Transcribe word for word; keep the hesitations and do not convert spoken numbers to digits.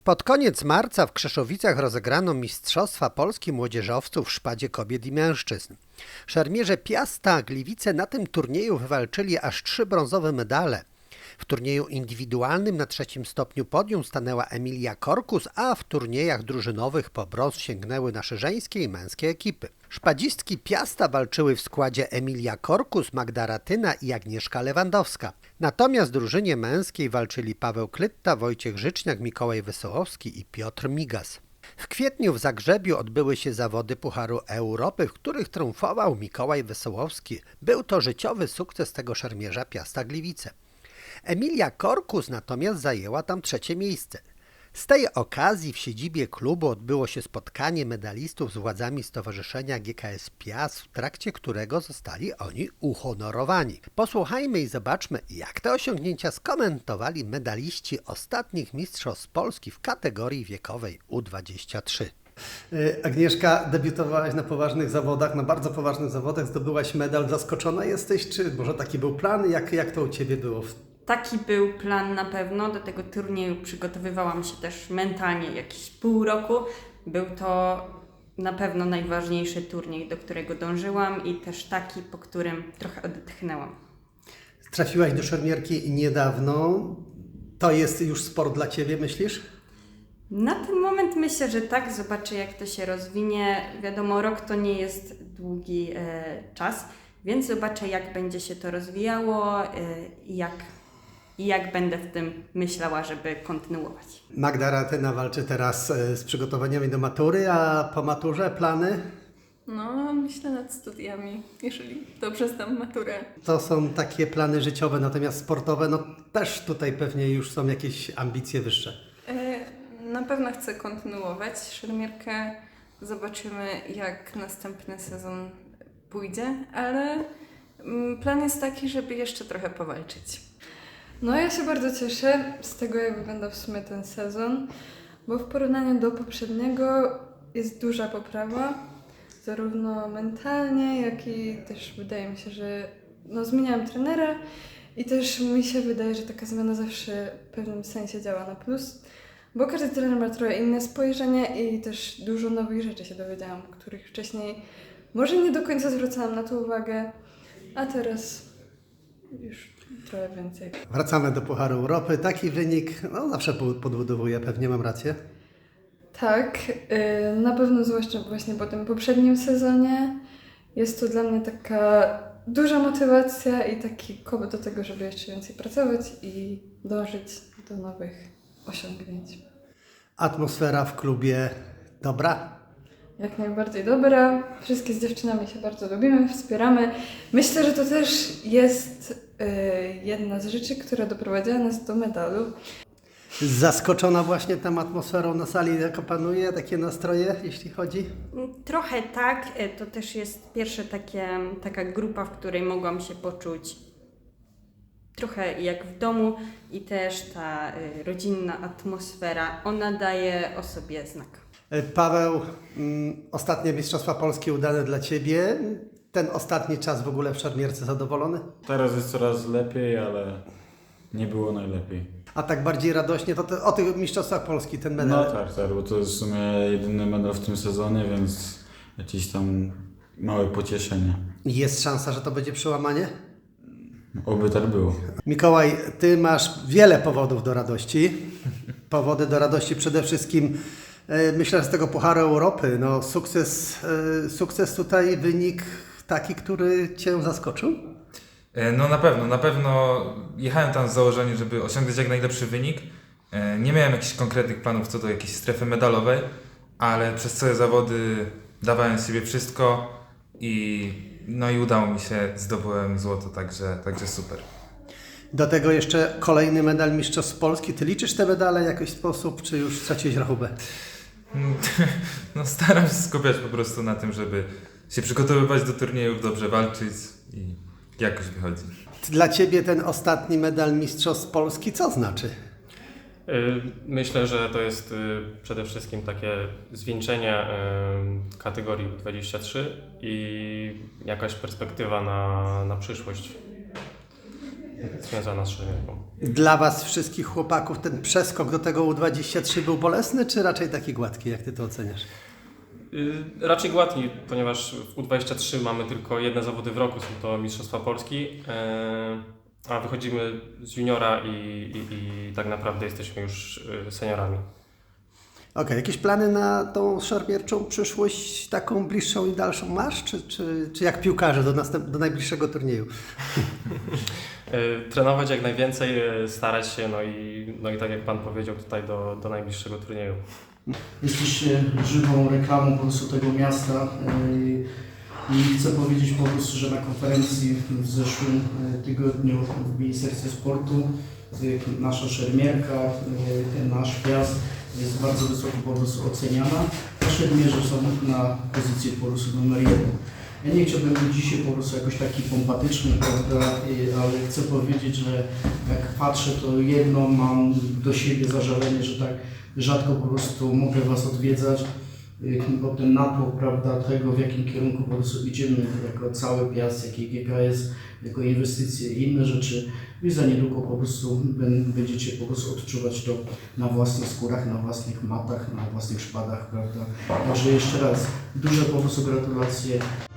Pod koniec marca w Krzeszowicach rozegrano Mistrzostwa Polski Młodzieżowców w szpadzie kobiet i mężczyzn. Szermierze Piasta Gliwice na tym turnieju wywalczyli aż trzy brązowe medale. W turnieju indywidualnym na trzecim stopniu podium stanęła Emilia Korkus, a w turniejach drużynowych po brąz sięgnęły nasze żeńskie i męskie ekipy. Szpadzistki Piasta walczyły w składzie Emilia Korkus, Magda Ratyna i Agnieszka Lewandowska. Natomiast w drużynie męskiej walczyli Paweł Klytta, Wojciech Życzniak, Mikołaj Wesołowski i Piotr Migas. W kwietniu w Zagrzebiu odbyły się zawody Pucharu Europy, w których triumfował Mikołaj Wesołowski. Był to życiowy sukces tego szermierza Piasta Gliwice. Emilia Korkus natomiast zajęła tam trzecie miejsce. Z tej okazji w siedzibie klubu odbyło się spotkanie medalistów z władzami Stowarzyszenia G K S Piast, w trakcie którego zostali oni uhonorowani. Posłuchajmy i zobaczmy, jak te osiągnięcia skomentowali medaliści ostatnich Mistrzostw Polski w kategorii wiekowej U dwadzieścia trzy. Agnieszka, debiutowałaś na poważnych zawodach, na bardzo poważnych zawodach, zdobyłaś medal. Zaskoczona jesteś, czy może taki był plan? Jak, jak to u Ciebie było? Taki był plan na pewno. Do tego turnieju przygotowywałam się też mentalnie jakieś pół roku. Był to na pewno najważniejszy turniej, do którego dążyłam i też taki, po którym trochę odetchnęłam. Trafiłaś do szermierki niedawno. To jest już sport dla Ciebie, myślisz? Na ten moment myślę, że tak. Zobaczę, jak to się rozwinie. Wiadomo, rok to nie jest długi e, czas, więc zobaczę, jak będzie się to rozwijało i e, jak I jak będę w tym myślała, żeby kontynuować. Magda Ratyna walczy teraz z przygotowaniami do matury, a po maturze plany? No, myślę nad studiami, jeżeli dobrze zdam maturę. To są takie plany życiowe, natomiast sportowe, no też tutaj pewnie już są jakieś ambicje wyższe. Na pewno chcę kontynuować szermierkę. Zobaczymy, jak następny sezon pójdzie, ale plan jest taki, żeby jeszcze trochę powalczyć. No ja się bardzo cieszę z tego, jak wygląda w sumie ten sezon, bo w porównaniu do poprzedniego jest duża poprawa, zarówno mentalnie, jak i też wydaje mi się, że no, zmieniałam trenera i też mi się wydaje, że taka zmiana zawsze w pewnym sensie działa na plus, bo każdy trener ma trochę inne spojrzenie i też dużo nowych rzeczy się dowiedziałam, których wcześniej może nie do końca zwracałam na to uwagę, a teraz już trochę więcej. Wracamy do Pucharu Europy. Taki wynik no, zawsze podbudowuje, pewnie mam rację. Tak, yy, na pewno zwłaszcza właśnie po tym poprzednim sezonie jest to dla mnie taka duża motywacja i taki koło do tego, żeby jeszcze więcej pracować i dążyć do nowych osiągnięć. Atmosfera w klubie dobra? Jak najbardziej dobra. Wszystkie z dziewczynami się bardzo lubimy, wspieramy. Myślę, że to też jest yy, jedna z rzeczy, która doprowadziła nas do medalu. Zaskoczona właśnie tą atmosferą na sali, jaka panuje, takie nastroje, jeśli chodzi? Trochę tak. To też jest pierwsza takie, taka grupa, w której mogłam się poczuć trochę jak w domu i też ta y, rodzinna atmosfera, ona daje o sobie znak. Paweł, mm, ostatnie Mistrzostwa Polskie udane dla Ciebie. Ten ostatni czas w ogóle w szermierce zadowolony? Teraz jest coraz lepiej, ale nie było najlepiej. A tak bardziej radośnie, to te, o tych Mistrzostwach Polski ten medal. No tak, tak, bo to jest w sumie jedyny medal w tym sezonie, więc jakieś tam małe pocieszenie. Jest szansa, że to będzie przełamanie? Oby tak było. Mikołaj, Ty masz wiele powodów do radości. Powody do radości przede wszystkim, e, myślę, z tego Pucharu Europy. No, sukces, e, sukces tutaj, wynik taki, który Cię zaskoczył? No na pewno, na pewno jechałem tam z założeniem, żeby osiągnąć jak najlepszy wynik. Nie miałem jakichś konkretnych planów co do jakiejś strefy medalowej, ale przez całe zawody dawałem z siebie wszystko i no i udało mi się, zdobyłem złoto, także, także super. Do tego jeszcze kolejny medal Mistrzostw Polski. Ty liczysz te medale w jakiś sposób, czy już straciłeś rachubę? No staram się skupiać po prostu na tym, żeby się przygotowywać do turniejów, dobrze walczyć i jakoś wychodzi. Dla Ciebie ten ostatni medal Mistrzostw Polski co znaczy? Myślę, że to jest przede wszystkim takie zwieńczenie kategorii U dwadzieścia trzy i jakaś perspektywa na, na przyszłość. związana z szermierką. Dla Was wszystkich chłopaków ten przeskok do tego U dwadzieścia trzy był bolesny, czy raczej taki gładki? Jak Ty to oceniasz? Y, Raczej gładki, ponieważ w U dwadzieścia trzy mamy tylko jedne zawody w roku, są to Mistrzostwa Polski, y, a wychodzimy z juniora i, i, i tak naprawdę jesteśmy już y, seniorami. Okej, jakieś plany na tą szermierczą przyszłość, taką bliższą i dalszą masz? Czy, czy, czy jak piłkarze do, następ, do najbliższego turnieju? Y, Trenować jak najwięcej, y, starać się, no i, no i tak jak Pan powiedział, tutaj do, do najbliższego turnieju. Jesteście żywą reklamą po prostu tego miasta yy, i chcę powiedzieć po prostu, że na konferencji w zeszłym yy, tygodniu w Ministerstwie Sportu yy, nasza szermierka, yy, nasz piast jest bardzo wysoko po prostu oceniana, a szermierze są na pozycji po prostu numer jeden. Ja nie chciałbym być dzisiaj po prostu jakoś taki pompatyczny, prawda, yy, ale chcę powiedzieć, że jak patrzę, to jedno mam do siebie zażalenie, że tak rzadko po prostu mogę Was odwiedzać, bo ten natłok, prawda, tego w jakim kierunku po prostu idziemy jako cały Piast, jak i G K S, jako inwestycje i inne rzeczy, i za niedługo po prostu będziecie po prostu odczuwać to na własnych skórach, na własnych matach, na własnych szpadach, prawda. Także jeszcze raz duże po prostu gratulacje.